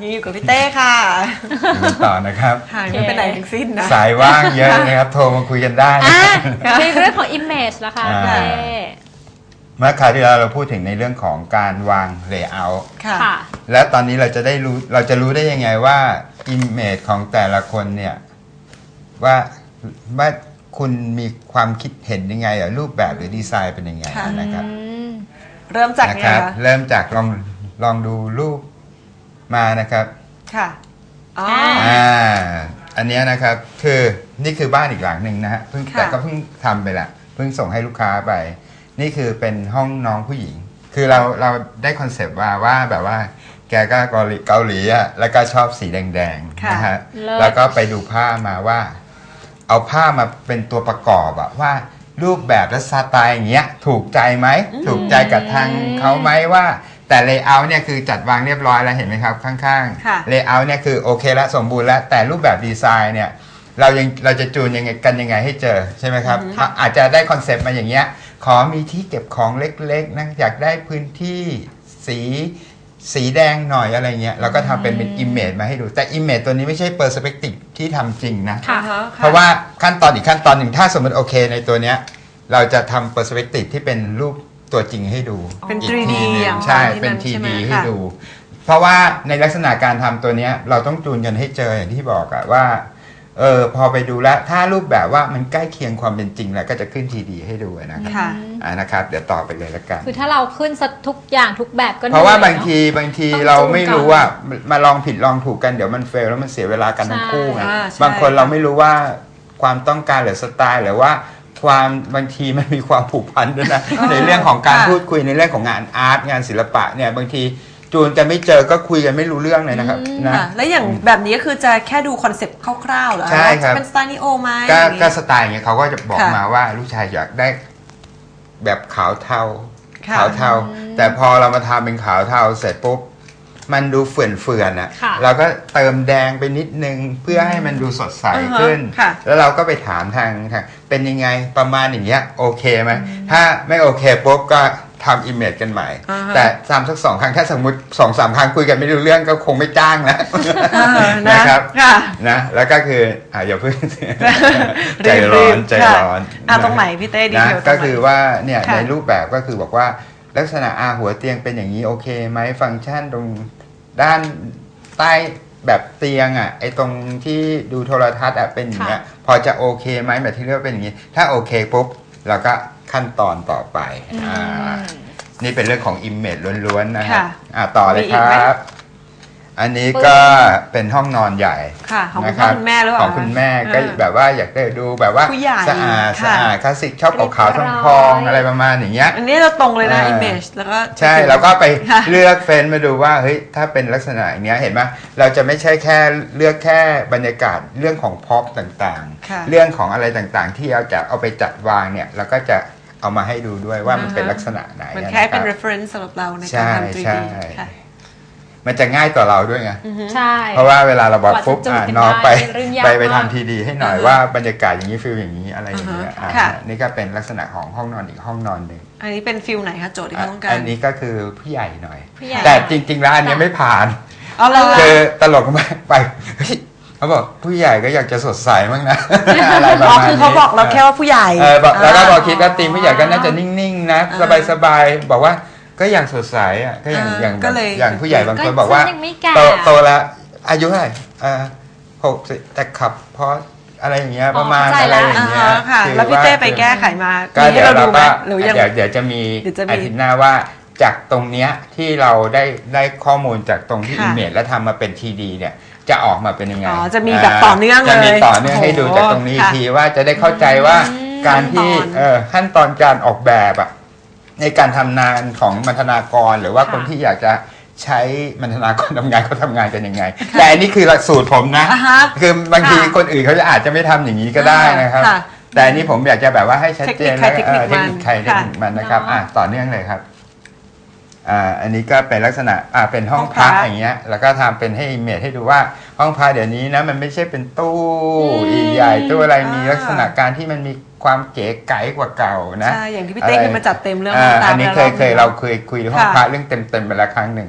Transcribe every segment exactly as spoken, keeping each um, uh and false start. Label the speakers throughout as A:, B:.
A: ยังอยู่กับพี่เต้ค่ะ
B: ต่อนะครับ
A: ห่างไม่ไปไหนทั้งสิ้นนะ
B: สายว่างเยอะนะครับโทรมาคุยกันได้นะ
C: ในเรื่องของ image นะคะพี่เต้
B: เมื่อคราวที่แล้วเราพูดถึงในเรื่องของการวาง layout
A: ค่ะ
B: แล้วตอนนี้เราจะได้รู้เราจะรู้ได้ยังไงว่า image ของแต่ละคนเนี่ยว่าว่าคุณมีความคิดเห็นยังไงหรือรูปแบบหรือดีไซน์เป็นยังไงนะครับ
A: เริ่มจากไงคะ
B: เริ่มจากลองลองดูรูปมานะครับ
A: ค่ะอ๋อ
B: อ่าอันนี้นะครับคือนี่คือบ้านอีกหลังหนึ่งนะฮะเพิ่งแต่ก็เพิ่งทำไปละเพิ่งส่งให้ลูกค้าไปนี่คือเป็นห้องน้องผู้หญิงคือเราเราได้คอนเซปต์ว่าว่าแบบว่าแกก็เกาหลีเกาหลีอ่ะแล้วก็ชอบสีแดงๆนะฮะแล้วก็ไปดูผ้ามาว่าเอาผ้ามาเป็นตัวประกอบอะว่ารูปแบบและสไตล์อย่างเงี้ยถูกใจไหมถูกใจกับทางเขาไหมว่าแต่เลเยอร์เนี่ยคือจัดวางเรียบร้อยแล้วเห็นไหมครับข้างๆเลเยอร์เนี่ยคือโอเคแล้วสมบูรณ์แล้วแต่รูปแบบดีไซน์เนี่ยเรายังเราจะจูนยังไงกันยังไงให้เจอใช่ไหมครับอาจจะได้คอนเซปต์มาอย่างเงี้ยขอมีที่เก็บของเล็กๆนะอยากได้พื้นที่สีสีแดงหน่อยอะไรเงี้ยเราก็ทำเป็นเป็นอิมเมจมาให้ดูแต่อิมเมจตัวนี้ไม่ใช่เปอร์สเปกทีฟที่ทำจริงนะเพราะว่าขั้นตอนอีกขั้นตอนหนึ่งถ้าสมมติโอเคในตัวเนี้ยเราจะทำเปอร์สเปกทีฟที่เป็นรูปตัวจริงให้ดู
A: เป็น ทรี ดี อย่าง
B: ใช่เป็น ทรี ดี ให้ดู เพราะว่าในลักษณะการทำตัวเนี้ยเราต้องจูนกันให้เจออย่างที่บอกอะว่าเออพอไปดูแล้วถ้ารูปแบบว่ามันใกล้เคียงความเป็นจริงแล้วก็จะขึ้น ทรี ดี ให้ดูนะครับอ่านะครับเดี๋ยวต่อไปเลยละกัน
C: คือถ้าเราขึ้นทุกอย่างทุกแบบก็
B: เพราะว่าบางทีบางทีเราไม่รู้ว่ามาลองผิดลองถูกกันเดี๋ยวมันเฟลแล้วมันเสียเวลากันทั้งคู่ไงบางคนเราไม่รู้ว่าความต้องการหรือสไตล์หรือว่าความบางทีมันมีความผูกพันด้วยนะในเรื่องของการพูดคุยในเรื่องของงานอาร์ตงานศิลปะเนี่ยบางทีจูนกันไม่เจอก็คุยกันไม่รู้เรื่องเลยนะครับนะ
A: แล้วอย่างแบบนี้ก็คือจะแค่ดูคอนเซ็ปต์คร่าวๆเหรอ
B: ใช่ครับ
A: เป็นสไตล์นิโอไหม
B: ก็สไตล์อย่างเงี้ยเขาก็จะบอกมาว่าลูกชายอยากได้แบบขาวเทาขาวเทาแต่พอเรามาทำเป็นขาวเทาเสร็จปุ๊บมันดูเฟื่อนๆอ่ะเราก็เติมแดงไปนิดนึงเพื่อให้มันดูสดใสขึ้นแล้วเราก็ไปถามทางทางเป็นยังไงประมาณอย่างเงี้ยโอเคไหมถ้าไม่โอเคปุ๊บก็ทำอิมเมจกันใหม่แต่ทำสักสองครั้งถ้าสมมติสองสามครั้งคุยกันไม่รู้เรื่องก็คงไม่จ้างแล้วนะครับนะแล้วก็คืออ่าอย่าเพิ่งใจร้อนใจร้อน
A: อ่ะตรงไหนพี่เต้ดี
B: นะก็คือว่าเนี่ยในรูปแบบก็คือบอกว่าลักษณะอาหัวเตียงเป็นอย่างนี้โอเคไหมฟังก์ชันตรงด้านใต้แบบเตียงอ่ะไอ้ตรงที่ดูโทรทัศน์อ่ะเป็นอย่างเงี้ยพอจะโอเคไหมแบบที่เรียกว่าเป็นอย่างนี้ถ้าโอเคปุ๊บเราก็ขั้นตอนต่อไปอ่านี่เป็นเรื่องของ image ล้วนๆนะครับอ่าต่อเลยครับอันนี้ก็เป็นห้องนอนใหญ่
A: ของคุณแม่หรือเปล่า
B: ของคุณแม่ก็แบบว่าอยากได้ดูแบบว่าสะอาดสะอาดคลาสสิกชอบขาวๆทองๆอะไรประมาณอย่างเงี้ย
A: อันนี้เราตรงเลยนะ image แล้วก็
B: ใช่แล้วก็ไปเลือกเฟ้นมาดูว่าเฮ้ยถ้าเป็นลักษณะอย่างเงี้ยเห็นไหมเราจะไม่ใช่แค่เลือกแค่บรรยากาศเรื่องของพ็อปต่างๆเรื่องของอะไรต่างๆที่เราจะเอาไปจัดวางเนี่ยเราก็จะเอามาให้ดูด้วยว่ามันเป็นลักษณะไหน
A: มันแค่เป็น reference สำหรับเราในการทำ ทรี ดี ค่ะ
B: มันจะง่ายต่อเราด้วยไง
C: ใช่
B: เพราะว่าเวลาเราบอกปุ๊บน้องไปไปไปทำทีดีให้หน่อยว่าบรรยากาศอย่างนี้ฟิลอย่างนี้อะไรอย่างเงี้ยนี่ก็เป็นลักษณะของห้องนอนอีกห้องนอนหนึ่ง
A: อันนี้เป็นฟิลไหนคะโจทย์ที่เขาต้องการ
B: อันนี้ก็คือผู้ใหญ่หน่อยแต่จริงๆแล้วอันนี้ไม่ผ่าน
A: คือ
B: ตลกมากไปเขาบอกผู้ใหญ่ก็อยากจะสดใสมั้งนะอะไรประมาณนี้
A: คือเขาบอกเราแค่ว่าผู้ใหญ่
B: แล้วก็บอกคิดว่าทีมผู้ใหญ่ก็น่าจะนิ่งๆนะสบายๆบอกว่าก็อย่างสดใสอ่ะก็อย่างอย่างอย่างผู้ใหญ่บางคนบอกว่าโตโตแล้วอายุเท่าไหร่อ่าหกสิบแต่ขับเพราะอะไรอย่างเงี้ยประมาณอะไรอย่างเงี้ย
A: แล้วพี่เต้ไปแก้ไขมา
B: ก็เดี๋ยวเราก็เดี๋ยวเดี๋ยวจะมีอาทิตย์หน้าว่าจากตรงเนี้ยที่เราได้ได้ข้อมูลจากตรงที่อิมเมจแล้วทำมาเป็น ที ดี เนี่ยจะออกมาเป็นยังไง
A: อ๋อจะมีแบบต่อเนื่องเลย
B: จะมีต่อเนื่องให้ดูจากตรงนี้ทีว่าจะได้เข้าใจว่าการที่ขั้นตอนการออกแบบอ่ะในการทำงานของบรรณาธิการหรือว่าคนที่อยากจะใช้บรรณาธิการทำงานเขาทำงานกันยังไงแต่อันนี้คือหลักสูตรผมนะคือบางทีคนอื่นเขาจะอาจจะไม่ทำอย่างนี้ก็ได้นะครับแต่อันนี้ผมอยากจะแบบว่าให้ชัดเจนและเทคนิคใครเทคนิคมันนะครับอ่ะต่อเนื่องเลยครับอ่าอันนี้ก็เป็นลักษณะอ่าเป็นห้องพักอย่างเงี้ยแล้วก็ทำเป็นให้อิมเมจให้ดูว่าห้องพักเดี๋ยวนี้นะมันไม่ใช่เป็นตู้ใหญ่ตู้อะไรมีลักษณะการที่มันมีความเก๋ไก๋กว่าเก่านะ
A: ใช่อย่างที่พี่เต้เคยมาจัดเต็มเรื่อง
B: อันนี้เคยเคยเราเคยคุยห้องพักเรื่องเต็มเต็มไปแล้วครั้งหนึ่ง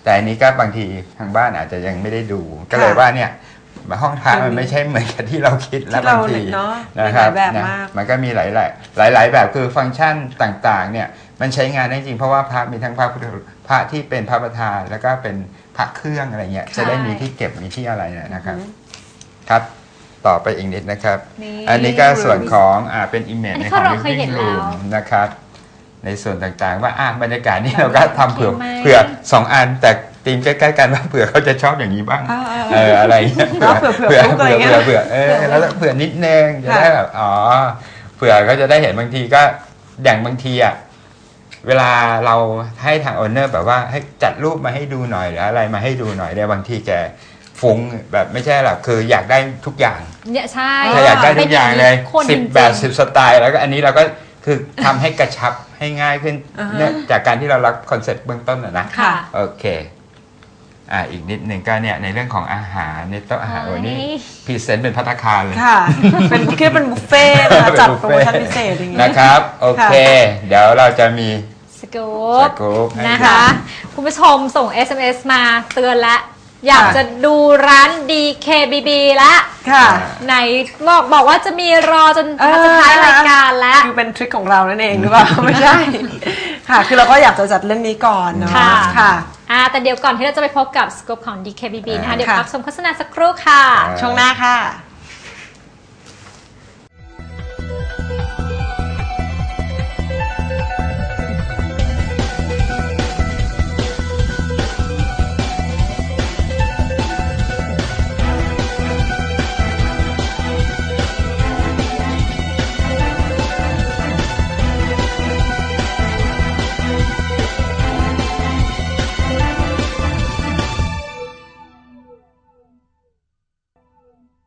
B: แต่อันนี้ก็บางทีทางบ้านอาจจะยังไม่ได้ดู ก็เลยว่าเนี่ยห้องพระมันไม่ใช่เหมือนกับที่เราคิดแล้วบางที
A: เนาะ
B: นะครับ
A: มีหลายแบบ
B: นะ
A: มาก
B: มันก็มีหลายหลายๆหลายๆแบบคือฟังก์ชันต่างๆเนี่ยมันใช้งานได้จริงเพราะว่าพระมีทั้งพระพุทธพระที่เป็นพระประธานแล้วก็เป็นพระเครื่องอะไรเงี้ยจะได้มีที่เก็บมีที่อะไรเนี่ยนะครับครับต่อไปอีกนิดนะครับ
C: นี่
B: อันนี้ก็ส่วนของอ่าเป็น image
C: อันนี้
B: ในของ
C: เราเคยเห็น
B: living
C: แล้ว
B: room นะครับในส่วนต่างๆว่าอ่ะบรรยากาศนี่เราก็ทำเผื่อ
C: ไหม
B: เผื่อสองอันแต่ธีมใกล้ๆกันว่าเผื่อเขาจะชอบอย่างนี้บ้าง
A: อ่าๆ
B: เอออะไรเงี้ย
A: เนาะเผื่อเผื่อฟลุกอะไรเงี้ย
B: เผื่อเผื่อเออแล้วเผื่อนิดนึงจะได้แบบอ๋อเผื่อก็จะได้เห็นบางทีก็อย่างบางทีอ่ะเวลาเราให้ทางโอนเนอร์แบบว่าให้จัดรูปมาให้ดูหน่อยหรืออะไรมาให้ดูหน่อยเนี่ยบางทีแกฟุ้งแบบไม่ใช่หรอกคืออยากได้ทุกอย่าง
C: เนี่ยใช่
B: ถ้าอยากได้ทุกอย่างเลย
C: คน
B: สิบ
C: จริงๆ
B: แบบสิบสไตล์แล้วก็อันนี้เราก็คือทำให้กระชับให้ง่ายขึ้น
A: อ่าฮะ
B: เนื่องจากการที่เรารับคอนเซ็ปต์เบื้องต้นนะนะ
C: ค่ะ
B: โอเคอ่าอีกนิดหนึ่งก็เนี่ยในเรื่องของอาหารในโต๊ะอาหารวันนี้พรีเซนต์เป็นภัตตาคารเลย
A: ค่ะ เป็นคิดเป็นบุฟเฟ่ต์นะคะจัดโปรโมชั่นพิเศษอย่างงี้
B: นะครับโอเค เดี๋ยวเราจะมี
C: สกู
B: ส
C: ๊ป
B: กู๊ปให้
C: นะคะ คุณผู้ชมส่ง เอส เอ็ม เอส มาเตือนและ อยาก
A: ค่ะ
C: จะดูร้าน ดี เค บี บี ละ
A: ค่ะ
C: ไหนบอกบอกว่าจะมีรอจน
A: เออ
C: สุดท้ายรายการแล้ว
A: คือเป็นทริคของเรานั่นเองหรือเปล่า ไม่ใช่ ค่ะ คือเราก็อยากจะจัดเรื่องนี้ก่อนเนาะ
C: ค่ะ
A: ค่ะ
C: อ่าแต่เดี๋ยวก่อนที่เราจะไปพบกับสกู๊ปของ ดี เค บี บี นะคะ
A: อ่า
C: เดี๋ยว
A: ค่ะ
C: พักชมโฆษณาสักครู่ค่ะ
B: อ่า
A: ช่วงหน้าค่ะ